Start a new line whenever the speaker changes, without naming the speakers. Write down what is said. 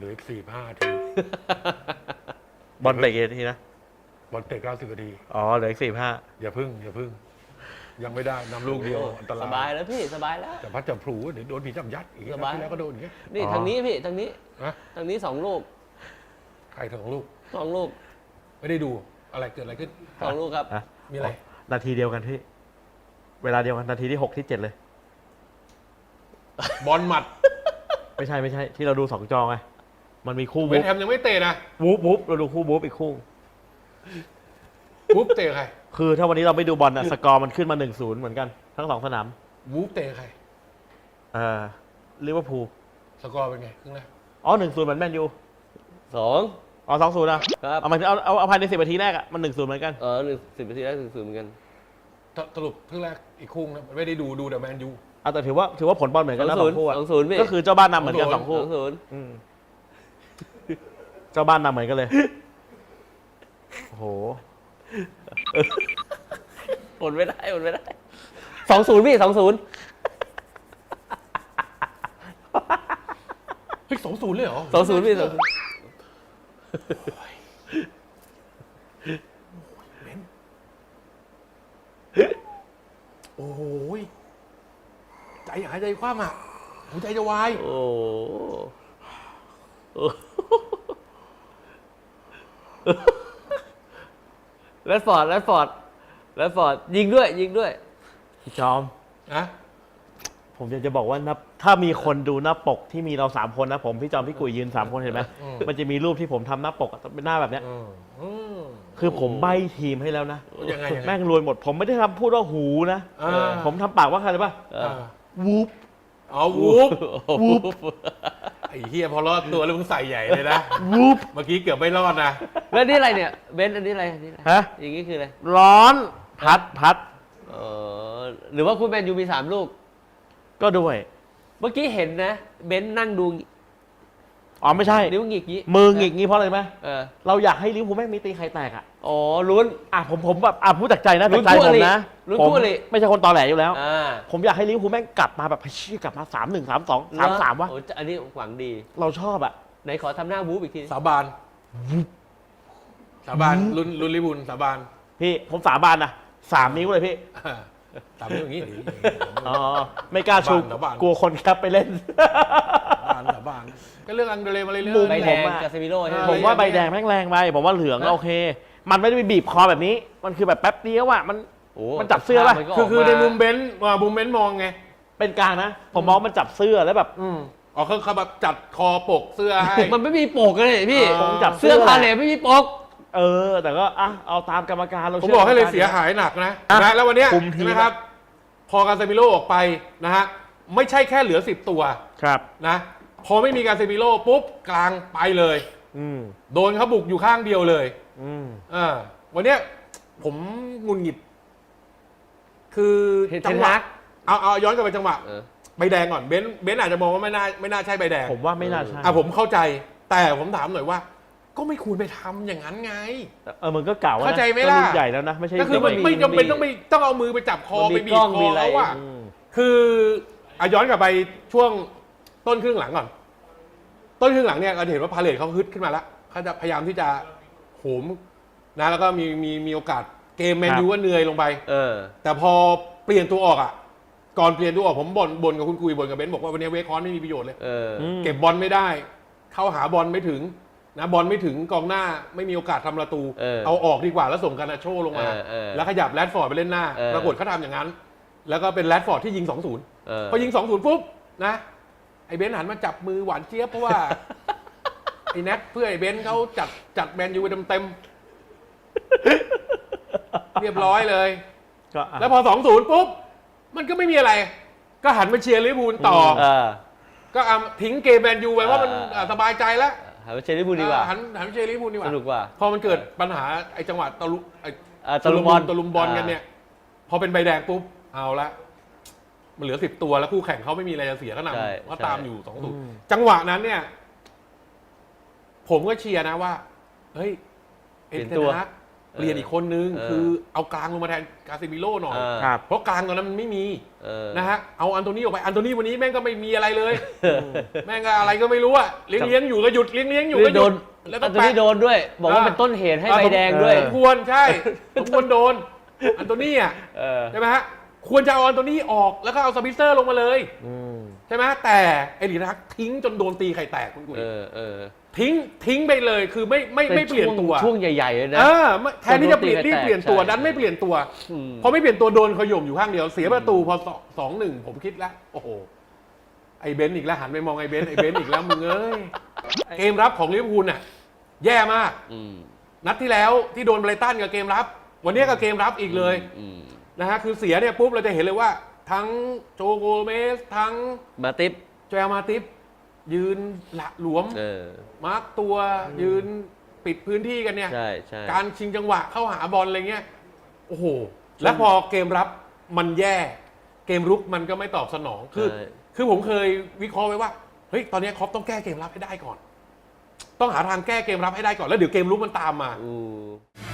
ลืออีก4-5 ที
บอลเตะกี่นาทีนะ
บอลเตะ90 นาที
อ๋อเหลืออีก45
อย่าพึ่งยังไม่ได้นำลูกเดียวอันตราย
สบายแล้วพี่สบายแล้ว
แต่พัดจะพลูเดี๋ยวโดนผีจับยัดอีก
สบาย
ที่แล้วก็โดนอย่างเงี้ย
นี่ทางนี้พี่ทางนี้
นะ
ทางนี้2 ลูก
ใครถึงลูก
2 ลูก
ไม่ได้ดูอะไรเกิดอะไรขึ้น
2 ลูกครับ
อ่ะ
มีอะไร
นาทีเดียวกันพี่เวลาเดียวกันนาทีที่6ที่7เลย
บอลหมัด
ไม่ใช่ที่เราดู2จอไงมันมีคู่
เว
วู
ส
บ
ต์แฮมยังไม่เตะนะ
วูบเราดูคู่วูบอีกคู่
วูฟเตะใคร
คือถ้าวันนี้เราไม่ดูบอลอะสกอร์มันขึ้นมา 1-0 เหมือนกันทั้ง2สนาม
วูฟเตะใคร
ลิเวอร์พูล
สกอร์เป็นไงครึ่งแรก
อ๋อ 1-0 เหมือนแมนยู
2
อ๋อ 2-0อ่ะ
ครับ
เอามาเอาภายใน10 นาทีแรกอ่ะมัน 1-0 เหมือนกัน
10 นาทีแรก0 เหมือนกัน
สรุปครึ่งแรกอีกคู่นะไม่ได้ดูแต่แมนยู
เอาแต่ถือว่าผลบอลเหมือนกันนะ2คู่อ่ะ
2-0พี่
ก็คือเจ้าบ้านนำเหมือนกัน2คู่
2-0
อืมเจ้าบ้านนำเหมือนกันเลยโอ้โห
อดไม่ได้2-0พี่2-0
เฮ้ย2-0เลยเหรอ
2-0พี่2-0
โอ้โหใจหายใจคว่ำอ่ะหัวใจจะวาย
โอ้โหแรดฟอร์ดยิงด้วย
พี่จอม
นะ
ผมอยากจะบอกว่าถ้ามีคนดูหน้าปกที่มีเรา3คนนะผมพี่จอมพี่กุยยืน3คนเห็นไหมมันจะมีรูปที่ผมทำหน้าปกอะเป็นหน้าแบบเนี้ย คือผมใบ้ทีมให้แล้วนะ
ยังไง
แม่งรวยหมด ผมไม่ได้ทำพูดว่าหูนะ ผมทำปากว่าใครเลยป่ะ วูบ
อ๋อวูฟไอ้เฮียพอรอดตัวแล้วมึงใส่ใหญ่เลยนะ
วูบ
เมื่อกี้เกือบไม่รอดนะ
แล้วนี่อะไรเนี่ยเบนซ์อันนี้อะไร
ฮะ
อย่างนี้คืออะไร
ร้อนพัด
หรือว่าคุณแมนยูมี3 ลูก
ก็ด้วย
เมื่อกี้เห็นนะเบนซ์นั่งดู
อ๋อไม่ใช่
นิ้วหงิกงี้
มือหงิกงี้เพราะอะไรไหม
เออ
เราอยากให้ลิเวอร์พูลแม่งมีตีใครแตกอ่ะ
อ๋อลุ้น
ผมแบบพูดจากใจนะ
ลุ้
จาก
น
ใจ
คู่
ผม
อริ
นะ
ลุ้น
ผม
คู่อริ
ไม่ใช่คนตอแหลอยู่แล้ว ผมอยากให้ลิเวอร์พูลแม่งกลับมาแบบกลับมา3-1 3-2 3-3วะ
โอ้อันนี้หวังดี
เราชอบอ่ะ
ไหนขอทำหน้าบู๊อีกที
สาบานรุ่นลิบุลสาบาน
พี่ผมสาบานนะ3 นิ้วเลยพี่
ตามนี้อย่างนี้หรือ
อ๋อไม่กล้าชู
สาบาน
กลัวคนแคปไปเล่น
สาบานก็เรื่องอังเดเรมาเรื่
มุ
อ
ม
ย
ใบ
ๆ
แดง
ผมอะ
กาเซมิโร่ใช่ไหม
ผมว่าใบแดงแม่งแรงไปผมว่าเหลืองโอเค มันไม่ได้ไปบีบคอแบบนี้ มันคือแบบแป๊บเดียวอ่ะมัน
โอ้
มันจับเสื้อป่ะ
มันก็
คือใน
กา
มุมเบนซ์มองไง
เป็นกลางนะ ผมมองมันจับเสื้อแล้วแบบ
อ๋อเขาแบบจัดคอปกเสื้อให้
มันไม่มีปกเลยพี่
คงจับ
เสื้อพาเลทไม่มีปก
แต่ก็เอาตามกรรมการเรา
ผม
ชื่
บอกให้เลย
กรรมกร
เสียหายหนักนะ
อ่ะ
นะแล้ววันเนี้ย
คุมทีม
นะครับ พอการเซมิโลออกไปนะฮะไม่ใช่แค่เหลือ10 ตัว
ครับ
นะพอไม่มีการเซมิโลปุ๊บกลางไปเลย
อืม
โดนเขาบุกอยู่ข้างเดียวเลย
อืม
วันเนี้ยผมหงุนหงิด คือ
เห็น
จังหวะ
เทนฮาก
เอาย้อนกลับไปจังหวะ
เออ
ใบแดงก่อนเบนซ์อาจจะมองว่าไม่น่าใช่ใบแดง
ผมว่าไม่น่าใช่
ผมเข้าใจ แต่ผมถามหน่อยว่า ก็ไม่ควรไปทำอย่างนั้นไง
มันก็เก่าแล้วนะ
เข้าใจไหม
ก็
ล่ะ
รุ่นใหญ่แล้วนะไม่ใช่
ก็คือ
เด็ก
ไม่จำเป็นต้องเอามือไปจับคอ
มันมี
ไปบี
กล้
บ
อง
ค
มี
อ
อะไร
เขาอะ
อืม
คือย้อนกลับไปช่วงต้นครึ่งหลังก่อน ต้นครึ่งหลังเนี่ยเราเห็นว่าพาเลทเขาฮึดขึ้นมาแล้วเขาจะพยายามที่จะโหมนะแล้วก็มีโอกาสเกมแมนยูก็เหนื่อยลงไป แต่พอเปลี่ยนตัวออกอ่ะก่อนเปลี่ยนตัวออกผมบ่นกับคุณกุยบ่นกับเบนซ์บอกว่าวันนี้เวคอนไม่มีประโยชน์เลย เก็บบอลไม่ได้ เข้าหาบอลไม่ถึงนะบอลไม่ถึงกองหน้าไม่มีโอกาสทำประตู เอาออกดีกว่าแล้วส่งการนาโชลงมาแล้วขยับแรดฟอร์ดไปเล่นหน้าปรากฏเขาทำอย่างนั้น แล้วก็เป็นแรดฟอร์ดที่ยิง 2-0 พอยิง 2-0 ปุ๊บนะไอ้เบนซ์หันมาจับมือหวานเจี๊ยบเพราะว่า ไอ้แน็กเพื่อไอ้เบนซ์เขาจัดแมนยูไปเต็มๆเรียบร้อยเลย
ก็อ่ะ
แล้วพอ 2-0 ปุ๊บ มันก็ไม่มีอะไร ก็หันมาเชียร์ลิเวอร์พูลต่อ ก็ทิ้งเกมแมนยูไปว่ามันสบายใจแล้ว
หาไปเชลิบูลดีกว่า
หันมาเชียร์ลิเวอร์พูลดีกว่า
สนุกกว่า
พอมันเกิดปัญหาไอ้จังหวะตะลุมบอลกันเนี่ย พอเป็นใบแดงปุ๊บ เอาละ มันเหลือ10 ตัวแล้วคู่แข่งเขาไม่มีอะไรจะเสียก็นำก็ตามอยู่2-0จังหวะนั้นเนี่ย ผมก็เชียร์นะว่า เฮ้ย
เปลี่ยนตัว
เปลี่ยนอีกคนนึงคือเอากลางลงมาแทนกาซิมิโร่หน่อย
ครับ
เพราะกลางตอนนั้นมันไม่มี
นะ
นะฮะเอาอันโตนี่ออกไปอันโตนี่วันนี้แม่งก็ไม่มีอะไรเลยแม่งก็อะไรก็ไม่รู้อะเลี้ยงอยู่ก็หยุดเลี้ยงอยู่ก็ห
โด
ยุ
น
ดแล้ว
อั
ก็
นตัวนี้โดนด้วย บอกว่าเป็นต้นเหตุให้ใบแดงด้วย
สมควรใช่สมควรโดนอันโตนี่อะ ใช่ไหมฮะควรจะเอาอันโตนี่ออกแล้วก็เอาสปิเซอร์ลงมาเลยใช่ไหมแต่เอริรักทิ้งจนโดนตีไข่แตกคุณกุ้ยทิ้งไปเลยคือไม่เปลี่ยนตัว
ช่วงใหญ่ๆเลยนะ
แทนที่จะรีบเปลี่ยนตัว
ใช่
ดันไม่เปลี่ยนตัวพอไม่เปลี่ยนตัวโดนขย่มอยู่ข้างเดียวเสียประตูพอ2-1ผมคิดแล้วโอ้โหไอ้เบนซ์อีกแล้วหันไปมองไอ้เบนซ์อีกแล้วมึงเอ้ยเกมรับของลิเวอร์พูลน่ะแย่มากนัดที่แล้วที่โดนไบรตันกับเกมรับวันนี้ก็เกมรับอีกเลยนะฮะคือเสียเนี่ยปุ๊บเราจะเห็นเลยว่าทั้งโจโกเมสทั้ง
มาติป
โจเอลมาติฟยืนหละหลวมมาร์กตัวยืนปิดพื้นที่กันเนี่ย
ใช่
การชิงจังหวะเข้าหาบอลอะไรเงี้ยโอ้โหแล้วพอเกมรับมันแย่เกมรุกมันก็ไม่ตอบสนองคือผมเคยวิเคราะห์ไว้ว่าเฮ้ยตอนนี้ครอปต้องแก้เกมรับให้ได้ก่อนต้องหาทางแก้เกมรับให้ได้ก่อนแล้วเดี๋ยวเกมรุกมันตามมา